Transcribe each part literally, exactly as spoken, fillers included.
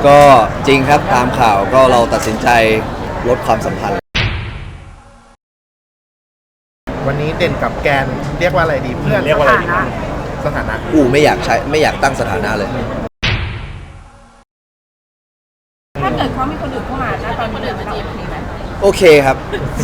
ก็จริงครับตามข่าวก็เราตัดสินใจลดความสัมพันธ์วันนี้เด่นกับแกนเรียกว่าอะไรดีเพื่อนเรียกว่าอะไรดีครับสถานะอูไม่อยากใช้ไม่อยากตั้งสถานะเลยถ้าเกิดเขามีคนอื่นเข้ามานะตอนนี้เดินมาจีบนี้ไหมโอเคครับ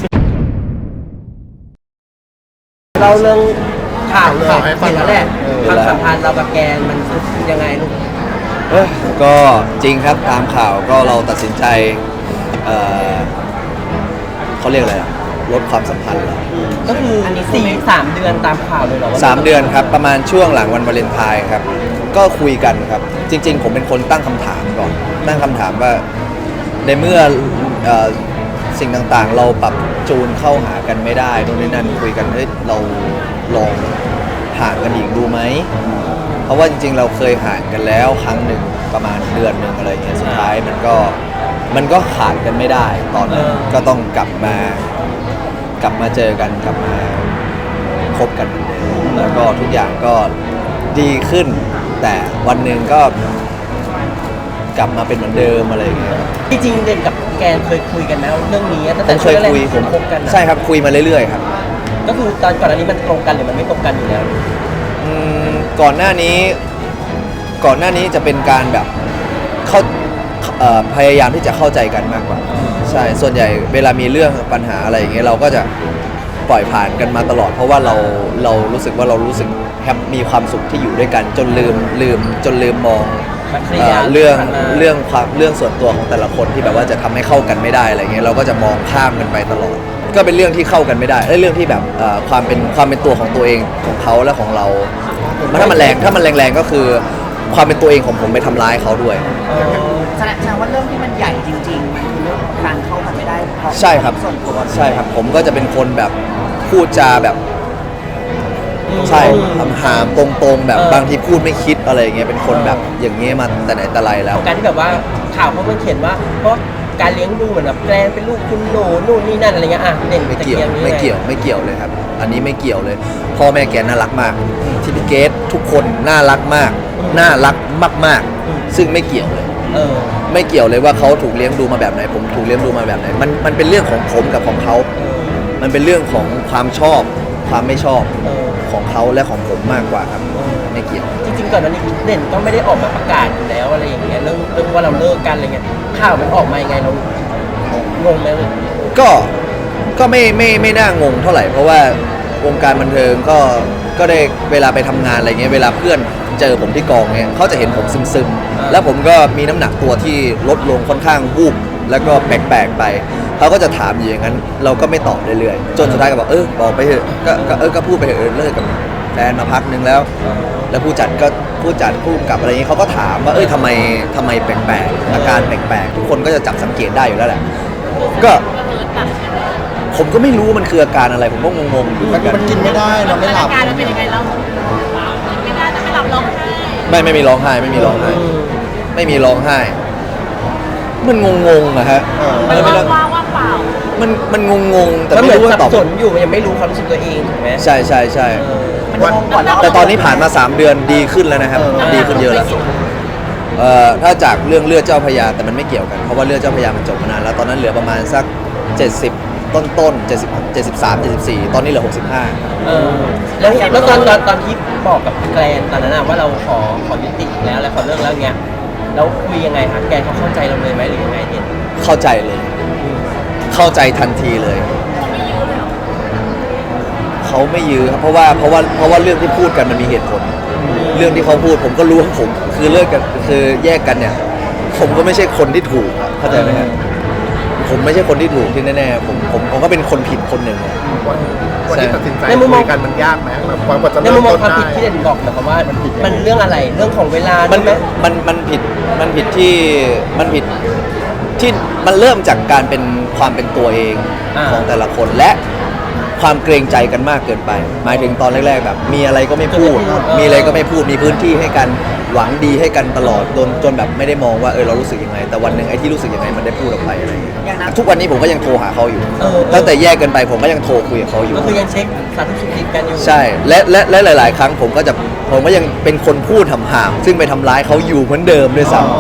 เราเรื่องข่าวข่าวเห็นแล้วแหละความสัมพันธ์เรากับแกนมันยังไงลูกเออก็จริงครับตามข่าวก็เราตัดสินใจเออเขาเรียกอะไรอะลดความสัมพันธ์แล้วก็คือสี่สามเดือนตามข่าวเลยเหรอสามเดือนครับประมาณช่วงหลังวันวาเลนไทน์ครับก็คุยกันครับจริงๆผมเป็นคนตั้งคำถามก่อนตั้งคำถามว่าในเมื่อสิ่งต่างๆเราปรับจูนเข้าหากันไม่ได้นู่นนี่นั่นคุยกันเฮ้ยเราลองห่างกันอีกดูไหมเพราะว่าจริงๆเราเคยห่างกันแล้วครั้งหนึ่งประมาณเดือนหนึ่งอะไรเงี้ยสุดท้ายมันก็มันก็ขาดกันไม่ได้ตอนนั้นก็ต้องกลับมากลับมาเจอกันกลับมาคบกันเหมือนเดิมแล้วก็ทุกอย่างก็ดีขึ้นแต่วันหนึ่งก็กลับมาเป็นเหมือนเดิมอะไรอย่างเงี้ยจริงๆเด่นกับแกนเคยคุยกันแล้วเรื่องนี้ตั้งแต่เคยคุยผมคบกันใช่ครับคุยมาเรื่อยๆครับก็คือตอนก่อนหน้านี้มันตรงกันหรือมันไม่ตรงกันอยู่แล้วอืมก่อนหน้านี้ก่อนหน้านี้จะเป็นการแบบเข้าพยายามที่จะเข้าใจกันมากกว่าใช่ส่วนใหญ่เวลามีเรื่องปัญหาอะไรอย่างเงี้ยเราก็จะปล่อยผ่านกันมาตลอดเพราะว่าเราเรารู้สึกว่าเรารู้สึกแฮปมีความสุขที่อยู่ด้วยกันจนลืมลืมจนลืมมองเรื่องเรื่องความเรื่องส่วนตัวของแต่ละคนที่แบบว่าจะทำให้เข้ากันไม่ได้อะไรเงี้ยเราก็จะมองข้ามกันไปตลอดก็เป็นเรื่องที่เข้ากันไม่ได้เรื่องที่แบบความเป็นความเป็นตัวของตัวเองของเขาและของเราถ้ามันแรงถ้ามันแรงๆก็คือความเป็นตัวเองของผมไปทำร้ายเขาด้วยแสดงว่าเรื่องที่มันใหญ่จริงๆมันคือเรื่องการเข้ากันไม่ได้ใช่ครับใช่ครับผมก็จะเป็นคนแบบพูดจาแบบใช่หามตรงๆแบบบางทีพูดไม่คิดอะไรอย่างเงี้ยเป็นคนแบบอย่างเงี้ยมาแต่ไหนแต่ไรแล้วการที่แบบว่าข่าวเขาเขียนว่าเพราะการเลี้ยงดูเหมือนแบบแกล้งเป็นลูกคุณหนูนู่นนี่นั่นอะไรเงี้ยอ่ะเด่นไม่เกี่ยวไม่เกี่ยวไม่เกี่ยวเลยครับอันนี้ไม่เกี่ยวเลยพ่อแม่แกน่ารักมากที่พี่เกดทุกคนน่ารักมากน่ารักมากๆซึ่งไม่เกี่ยวเลยเออไม่เกี่ยวเลยว่าเขาถูกเลี้ยงดูมาแบบไหนผมถูกเลี้ยงดูมาแบบไหนมันมันเป็นเรื่องของผมกับของเขามันเป็นเรื่องของความชอบความไม่ชอบของเขาและของผมมากกว่าครับไม่เกี่ยวจริงๆก่อนหน้านี้เด่นก็ไม่ได้ออกมาประกาศอยู่แล้วอะไรอย่างเงี้ยเรื่องเรื่องว่าเราเลิกกันอะไรเงี้ยข่าวมันออกมายังไงเรางงไหมก็ก็ไม่ไม่ไม่น่างงเท่าไหร่เพราะว่าวงการบันเทิงก็ก็ได้เวลาไปทำงานอะไรเงี้ยเวลาเพื่อนเจอผมที่กองเนี่ยเขาจะเห็นผมซึมๆแล้วผมก็มีน้ำหนักตัวที่ลดลงค่อนข้างวูบแล้วก็แปลกๆไปเขาก็จะถามอยู่อย่างนั้นเราก็ไม่ตอบเรื่อยๆจนสุดท้ายก็บอกเออบอกไปเถอะก็เออก็พูดไปเถอะเลิกกับแฟนมาพักนึงแล้วแล้วผู้จัดก็ผู้จัดผู้กำกับอะไรเงี้ยเขาก็ถามว่าเอ้ยทำไมทำไมแปลกๆอาการแปลกๆทุกคนก็จะจับสังเกตได้อยู่แล้วแหละก็ผมก็ไม่รู้มันคืออาการอะไรผมก็งงๆอยู่เหมือนกันมันกินไม่ได้เราไม่หลับอาการเราเป็นยังไงเราไม่ได้จะไม่หลับร้องไห้ไม่ไม่มีร้องไห้ไม่มีร้องไห้ไม่มีร้องไห้มันงงๆอะฮะมันว่างว่างเปล่ามันมันงงๆแต่ไม่รู้ว่าตอบสนอยู่มันยังไม่รู้ความรู้สึกตัวเองถูกไหมใช่ใช่ใช่แต่ตอนนี้ผ่านมาสามเดือนดีขึ้นแล้วนะครับดีขึ้นเยอะแล้วเอ่อถ้าจากเรื่องเลือดเจ้าพระยาแต่มันไม่เกี่ยวกันเพราะว่าเลือดเจ้าพระยามันจบมานานแล้วตอนนั้นเหลือประมาณสักเจ็ดสิบต้นต้นเจ็ดสิบ เจ็ดสิบสาม เจ็ดสิบสี่ตอนนี้เหลือหกสิบห้าเออแล้วแล้วตอนตอนตอนที่บอกกับแกรนตอนนั้นว่าเราขอขอยุติแล้วและขอเลิกแล้วเงี้ยแล้วคุยยังไงคะแกเขาเข้าใจเราเลยไหมหรือยังไงเนี่ยเข้าใจเลยเข้าใจทันทีเลยเขาไม่ยื้อครับเพราะว่าเพราะว่าเพราะว่าเรื่องที่พูดกันมันมีเหตุผลเรื่องที่เขาพูดผมก็รู้ว่าผมคือเลิกกันคือแยกกันเนี่ยผมก็ไม่ใช่คนที่ถูกเข้าใจไหมครับผมไม่ใช่คนที่ถูกที่แน่ๆผมผมผมก็เป็นคนผิดคนหนึ่งวันที่ตัดสินใจคุยกันมันยากไหมแบบกว่าจะในมุมมองความผิดที่เด่นบอกนะครับว่ามันเรื่องอะไรเรื่องของเวลามันมันมันผิดมันผิดที่มันผิดที่มันเริ่มจากการเป็นความเป็นตัวเองของแต่ละคนและความเกรงใจกันมากเกินไปหมายถึงตอนแรกๆแบบมีอะไรก็ไม่พูดมีอะไรก็ไม่พูดมีพื้นที่ให้กันหวังดีให้กันตลอดจนจนแบบไม่ได้มองว่าเออเรารู้สึกยังไงแต่วันหนึ่งไอ้ที่รู้สึกยังไงมันได้พูดออกไปอะไรอย่างเงี้ยทุกวันนี้ผมก็ยังโทรหาเขาอยู่ตั้งแต่แยกกันไปผมก็ยังโทรคุยกับเขาอยู่ก็คือยังเช็คสารทุกสิ่งกันอยู่ใช่และและและหลายๆครั้งผมก็จะผมก็ยังเป็นคนพูดหำๆซึ่งไปทำร้ายเขาอยู่เหมือนเดิมด้วยซ้ำ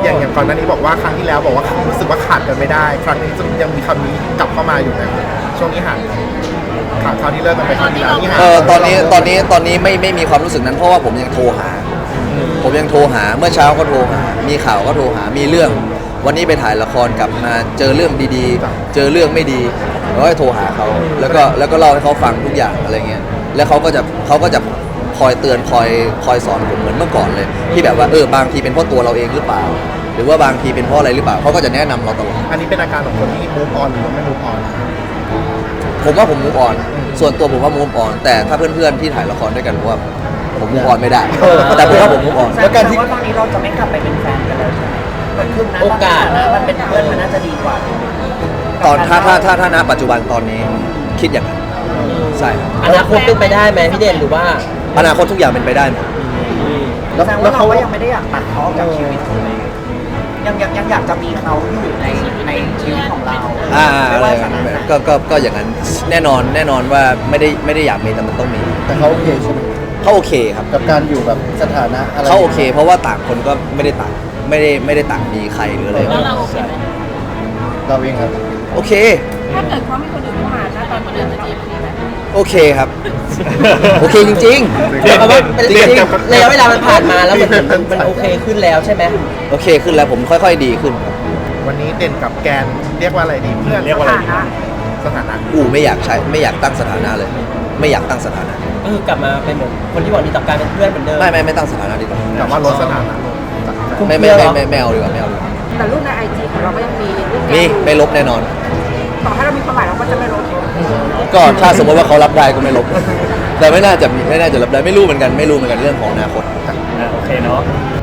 อย่างอย่างก่อนหน้านี้บอกว่าครั้งที่แล้วบอกว่ารู้สึกว่าขาดกันไม่ได้ ครั้งนี้ยังมีคำนี้กลับเข้ามาอยู่ไหมช่วงนี้ห่างขาดคราวที่เลิกกันไปครั้งที่แล้วนี่ห่างเออตอนนี้ตอนนี้ตอนนี้ไม่ไม่มีความรู้สึกนั้นเพราะว่าผมยังโทรหา ผมยังโทรหาเมื่อเช้าก็โทรหา มีข่าวก็โทรหามีเรื่อง วันนี้ไปถ่ายละครกลับมาเจอเรื่องดีๆ เจอเรื่องไม่ดีเราก็โทรหาเขาแล้วก็แล้วก็เล่าให้เขาฟังทุกอย่างอะไรเงี้ยแล้วเขาก็จะเขาก็จะคอยเตือนคอยคอยสอนผมเหมือนเมื่อก่อนเลย ที่แบบว่าเออบางทีเป็นเพราะตัวเราเองหรือเปล่า หรือว่าบางทีเป็นเพราะอะไรหรือเปล่าเขาก็จะแนะนำเราตลอดอันนี้เป็นอาการของคนที่ move on หรือว่าไม่ move on ผมว่าผมมูฟออนส่วนตัวผมว่ามูฟออนแต่ถ้าเพื่อนๆที่ถ่ายละครด้วยกันผมว่าผมมูฟออนไม่ได้ แต่ผมว่าผมมูฟออนแสดงว่าตอนนี้เราจะไม่กลับไปเป็นแฟนกันแล้วใช่ไหมมันคือนะโอกาสนะมันเป็นเพื่อนมันน่าจะดีกว่าตอนถ้าถ้าถ้าถ้าณปัจจุบันตอนนี้คิดอย่างนั้นใช่ครับอนาคตเป็นไปได้ไหมพี่เด่นหรือว่าอนาคตทุกอย่างเป็นไปได้หมดแสดงว่าเราก็ยังไม่ได้อยากตัดเขาออกจากชีวิตใช่ไหมยังยังยังอยากจะมีเขาอยู่ในในชีวิตของเราอ่าไม่อะไรว่าสถานะไหนก็ก็ก็อย่างนั้นแน่นอนแน่นอนว่าไม่ได้ไม่ได้อยากมีแต่มันต้องมีแต่เขาโอเคใช่ไหมเขาโอเคครับกับการอยู่แบบสถานะอะไรเขาโอเค เพราะว่าต่างคนก็ไม่ได้ต่างไม่ได้ไม่ได้ต่างมีใครหรืออะไรแล้วเราโอเคไหมเราเองครับโอเคถ้าเกิดเขามีคนอื่นเข้ามาถ้าตอนคนอื่นจะจีบพี่ไหมโอเคครับ โอเคจริงๆเดี๋ยวว่าเป็นจริงระยะเวลามันผ่านมาแล้วมันมันมันโอเคขึ้นแล้วใช่ไหมๆโอเคขึ้นแล้วผมค่อยๆดีขึ้นครับวันนี้เด่นกับแกนเรียกว่าอะไรดีเพื่อนเรียกว่าอะไรดีสถานะอูไม่อยากใช้ไม่อยากตั้งสถานะเลย ไม่อยากตั้งสถานะก็คือกลับมาเป็นเหมือนคนที่หวังดีต่อการเป็นเพื่อนเหมือนเดิมไม่ไม่ไม่ตั้งสถานะดีกว่าแต่ว่าลดสถานะลงไม่ไม่ไม่ไม่ไม่เอาดีกว่าไม่เอาดีกว่าแต่รูปในไอจีของเราก็ยังมีรูปแกมีไม่ลบแน่นอนต่อให้เรามีความหมายเราก็จะไม่ลบก็ถ้าสมมติว่าเขารับได้ก็ไม่ลบ แต่ไม่น่าจะมีไม่น่าจะรับได้ไม่รู้เหมือนกันไม่รู้เหมือนกันเรื่องของอนาคตโอเคเนาะ